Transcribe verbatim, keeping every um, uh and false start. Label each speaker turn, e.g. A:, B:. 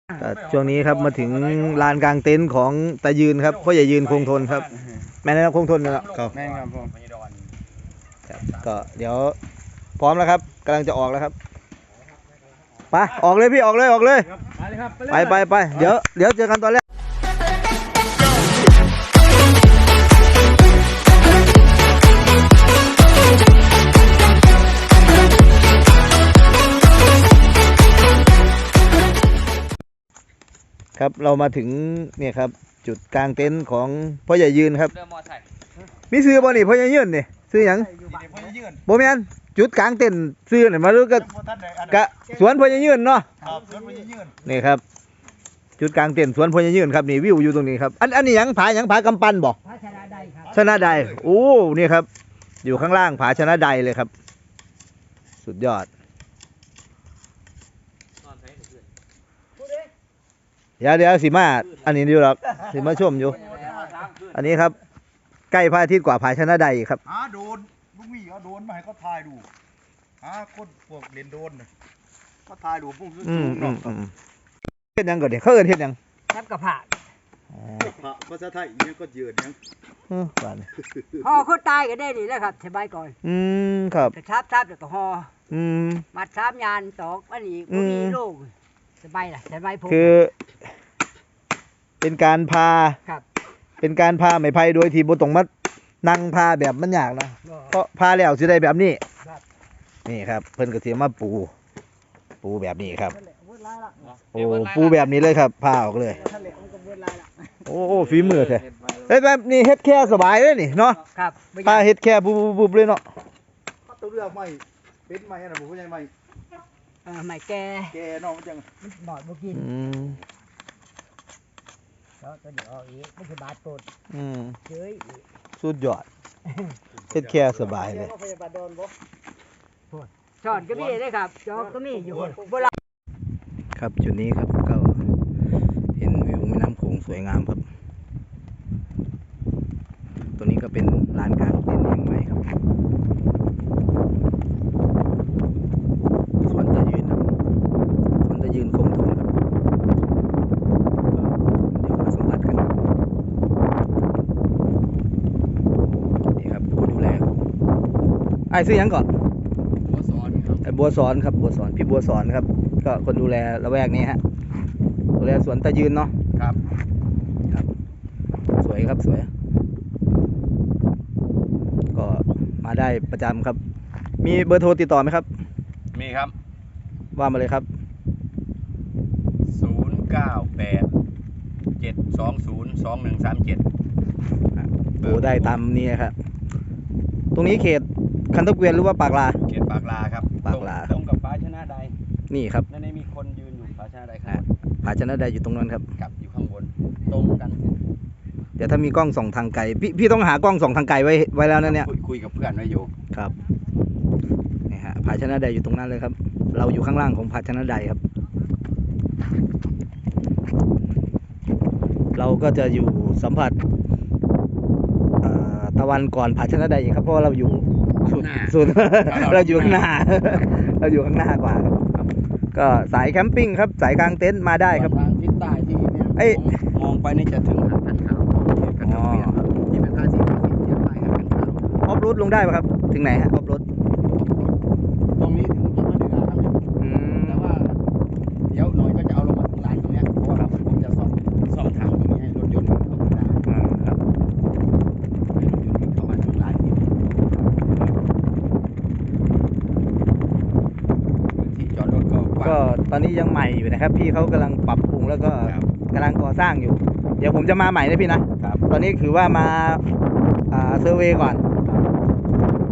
A: ช่วงนี้ครับมาถึงลานกลางเต็นท์ของตายืนครับพ่อใหญ่ยืนคงทนครับแม่นะครับคงทนนะครับ
B: แม่ครับผม
A: ก็เดี๋ยวพร้อมแล้วครับกำลังจะออกแล้วครับไปออกเลยพี่ออกเลยออกเลยไปไปไปเดี๋ยวเดี๋ยวเจอกันตอนแรกครับเรามาถึงเนี่ยครับจุดกลางเต็นท์ของพ่อใหญ่ยืนครับมีซื้อบ่นี่พ่อใหญ่ยืนนี่ซื้อหยังบ่แม่นจุดกลางเต็นท์ซื้อนี่มาดูก็กะสวนพ่อใหญ่ยืนเนาะนี่ครับจุดกลางเต็นท์สวนพ่อใหญ่ยืนครับนี่วิวอยู่ตรงนี้ครับอันอันนี้หยังผาหยังผากำปั้นบ่ผาชนะใดครับชนะใดโอ้นี่ครับอยู่ข้างล่างผาชนะใดเลยครับสุดยอดเดี๋ยวเดี๋ยวสิมาอันนี้อยู่หรอกสิมาชมอยู่อันนี้ครับใกล้พระอาทิตย์กว่าผาชนะใดครับ
B: หาโดนลูกหมีเอาโดนมาให้เขาถ่ายดูหาคนพวกเล่นโดนเขาถ่ายดูพุ่งสูงๆเนาะ
A: เฮ็ดยังก่อนเดี๋ยวเขาเอิ้นเฮ็ดยัง
C: ทับกระผา
B: พระภาษาไทยเนี่ยก็ยืนยัง
A: เออป่าน
C: ห่อคนตายก็ได้นี่แหละครับสบายก่อน
A: อืมครับ
C: กระชับทับแล้วก็ห่อ
A: อืม
C: มัดสามยานตอกอันนี้บ่มีโรคสบายล่ะสบายผม
A: คือเป็นการพา
C: ครับ
A: เป็นการพาไม้ไผ่โดยที่บ่ต้องมานั่งพาแบบมันยากนะเพราะพาแล้วสิได้แบบนี้นี่ครับเพิ่นก็สิมาปูปูแบบนี้ครับโอ้ปูแบบนี้เลยครับพาออกเลยโอ้โอ้ฝีมือแท้เฮ้ยแบบนี้เฮ็ดแค่สบายเลยนี่เนาะ
C: ครับ
A: พาเฮ็ดแค่ปุ๊บๆเลยเนาะ
B: ตัวเลือกใหม่เป็นใหม่อันน่ะบ่ใช่ใหม่
C: เออใหม่แก่
B: แก่เนาะจัง
C: มันบอดบ่กิน
A: อืม
C: แล้วตัวเดี๋ยวอีกมันสิบาดปด
A: อืม
C: เฮ้ย
A: สุดยอดเฮ็ดแค่สบายเลย
C: ช้อนก็มีได้ครับจอกก็มีอยู่โบราณ
A: ครับจุดนี้ครับก็เห็นวิวแม่น้ำโขงสวยงามครับตัวนี้ก็เป็นลานกลางเต็นท์แห่งใหม่ครับสวนตะยืนครับสวนตะยืนคงทนครับเดี๋ยวมาสัมผัสกันนี่ครับผู้ดูแลไอ้ซื้อยังก่อนไอ้บัวสอนครับบัวสอนพี่บัวสอนครับก็คนดูแลละแวกนี้ฮะดูแลสวนตะยืนเนาะ
B: ครับ
A: ครับสวยครับสวยก็มาได้ประจำครับมีเบอร์โทรติดต่อไหมครับ
B: มีครับ
A: ว่ามาเลยครับ
B: ศูนย์เก้าแปดเจ็ดสองศูนย์สองหนึ่งสามเจ็ด
A: โอ้ได้ตามนี้ครับตรงนี้เขตคันทเกวียนหรือว่าปากลา
B: เขตปากลาครับ
A: ปากลา
B: ตรงกับผาชนะใด
A: นี่ครับ
B: นั่นมีคนยืนอยู่ผาชนะใดครับ
A: ผาชนะใดอยู่ตรงนั้นครับ
B: กับอยู่ข้างบนตรงกัน
A: เดี๋ยวถ้ามีกล้องส่องทางไกลพี่พี่ต้องหากล้องส่องทางไกลไว้ไว้แล้วนะเนี่ย
B: คุยกับเพื่อนไว้อยู่
A: ครับนี่ฮะผาชนะใดอยู่ตรงนั้นเลยครับเราอยู่ข้างล่างของผาชนะใดครับเราก็จะอยู่สัมผัสตะวันก่อนผาชนะใดอีกครับเพราะเราอยู่สุดสุดเราอยู่ข้างหน้าเราอยู่ข้างหน้ากว่าครับก็สายแคมปิ้งครับสายกลางเต็นท์มาได้ครับ
B: ทางทิศใต้ที่เนี่ยมองไปนี่จะถึงหาดกันขาวอ๋อที่เป็นท่าสีขาวที่เทียบไปหาดกันขาว
A: ออฟโรดลงได้ป่ะครับถึงไหนฮะออฟโรด
B: ตรงนี้ถึงต้นมะเดื่อครับแต่ว่าเดี๋ยวหน่อยก็จะเอาลงมาถึงลานตรงนี้เพราะว่าผมจะซ่อมซ่อมทางตรงนี้ให้รถยนต์เข้ามาได้
A: ครับ
B: ให้รถยนต์เข้ามาถึงลานนี้ที่จอดรถก็
A: ก็ตอนนี้ยังใหม่อยู่นะครับพี่เขากำลังปรับปรุงแล้วก็กำลังก่อสร้างอยู่เดี๋ยวผมจะมาใหม่นะพี่นะตอนนี้ถือว่ามาเซอร์เวย์ก่อน